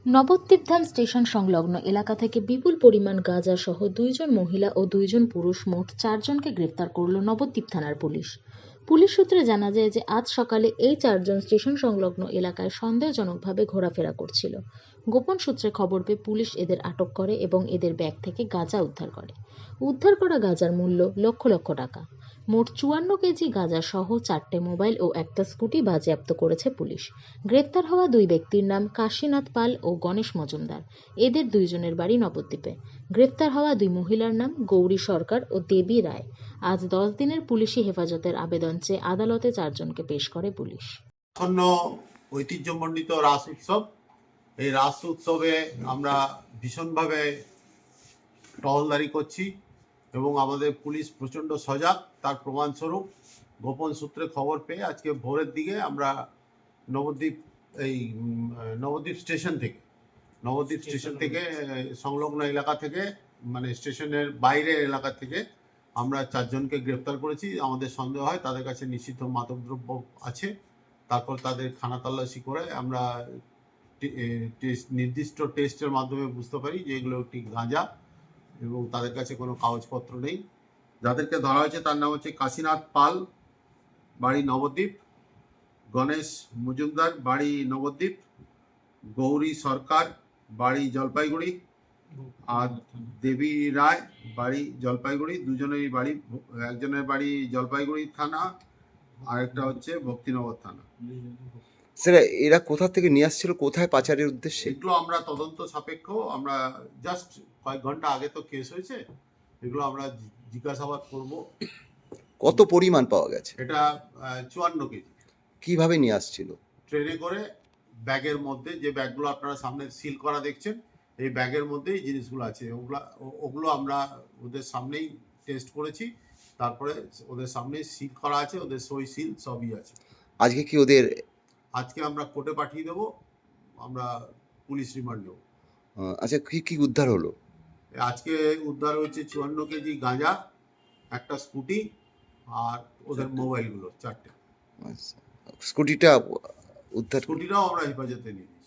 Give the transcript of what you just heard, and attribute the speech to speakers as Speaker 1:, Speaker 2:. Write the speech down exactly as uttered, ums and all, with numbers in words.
Speaker 1: Nabadwip Dham station সংলগ্ন এলাকা থেকে বিপুল পরিমাণ গাঁজা সহ দুইজন মহিলা ও দুইজন পুরুষ মোট চারজনকে গ্রেফতার করল নবদ্বীপ থানার পুলিশ। পুলিশ সূত্রে জানা যায় যে আজ সকালে এই চারজন স্টেশন সংলগ্ন এলাকায় সন্দেহজনকভাবে ঘোরাফেরা করছিল। গোপন সূত্রে খবর পেয়ে পুলিশ এদের আটক করে এবং এদের ব্যাগ থেকে গাঁজা উদ্ধার করে। উদ্ধার করা গাঁজার মূল্য লক্ষ লক্ষ টাকা। মোট চুয়ান্ন কেজি গাঁজা সহ চারটে মোবাইল ও একটা স্কুটি বাজেয়াপ্ত করেছে পুলিশ। গ্রেফতার হওয়া দুই ব্যক্তির নাম কাশীনাথ পাল ও গণেশ মজুমদার। এদের দুইজনের বাড়ি নবদ্বীপে। গ্রেফতার হওয়া দুই মহিলার নাম গৌরী সরকার ও দেবী রায়। আজ দশ দিনের পুলিশি হেফাজতের আবেদন চেয়ে আদালতে চারজনকে পেশ করে পুলিশ।
Speaker 2: আসন্ন ঐতিহ্যমণ্ডিত রাস উৎসব, এই রাস উৎসবে আমরা ভীষণভাবে টহলদারি করছি এবং আমাদের পুলিশ প্রচণ্ড সজাগ। তার প্রমাণস্বরূপ গোপন সূত্রে খবর পেয়ে আজকে ভোরের দিকে আমরা নবদ্বীপ এই নবদ্বীপ স্টেশন থেকে নবদ্বীপ স্টেশন থেকে সংলগ্ন এলাকা থেকে মানে স্টেশনের বাইরের এলাকা থেকে আমরা চারজনকে গ্রেপ্তার করেছি। আমাদের সন্দেহ হয় তাদের কাছে নিষিদ্ধ মাদকদ্রব্য আছে। তারপর তাদের খানা তল্লাশি করে আমরা নির্দিষ্ট টেস্টের মাধ্যমে বুঝতে পারি যে এগুলো একটি গাঁজা এবং তাদের কাছে কোনো কাগজপত্র নেই। যাদেরকে ধরা হয়েছে তার নাম হচ্ছে কাশীনাথ পাল, বাড়ি নবদ্বীপ; গণেশ মজুমদার, বাড়ি নবদ্বীপ; গৌরী সরকার, বাড়ি জলপাইগুড়ি; আর দেবী রায়, বাড়ি জলপাইগুড়ি। দুজনেরই বাড়ি, একজনের বাড়ি জলপাইগুড়ি থানা, আরেকটা হচ্ছে ভক্তিনগর থানা।
Speaker 3: স্যার, এরা কোথা থেকে নিয়ে আসছিল, কোথায় পাচারের উদ্দেশ্যে?
Speaker 2: এগুলো আমরা তদন্ত সাপেক্ষ, আমরা জাস্ট কয়েক ঘন্টা আগে তো কেস হয়েছে, এগুলো আমরা জিজ্ঞাসাবাদ করব।
Speaker 3: কত পরিমাণ পাওয়া গেছে?
Speaker 2: এটা চুয়ান্ন কেজি।
Speaker 3: কিভাবে নিয়ে আসছিল?
Speaker 2: ট্রেনে করে, ব্যাগের মধ্যে, যে ব্যাগগুলো আপনারা সামনে সিল করা দেখছেন, এই ব্যাগের মধ্যেই জিনিসগুলো আছে। ওগুলো ওগুলো আমরা ওদের সামনেই টেস্ট করেছি, তারপরে ওদের সামনেই সিল করা আছে, ওদের সই সিল সবই আছে।
Speaker 3: আজকে কি ওদের
Speaker 2: আজকে আমরা কোর্টে পাঠিয়ে দেবো, আমরা পুলিশ রিমান্ড নেব।
Speaker 3: আচ্ছা, কি কি উদ্ধার হলো?
Speaker 2: আজকে উদ্ধার হয়েছে চুয়ান্ন কেজি গাঁজা, একটা স্কুটি, আর ওদের মোবাইলগুলো চারটে।
Speaker 3: আচ্ছা, স্কুটিটা উদ্ধার
Speaker 2: স্কুটিটাও আমরা হেফাজতে নিই।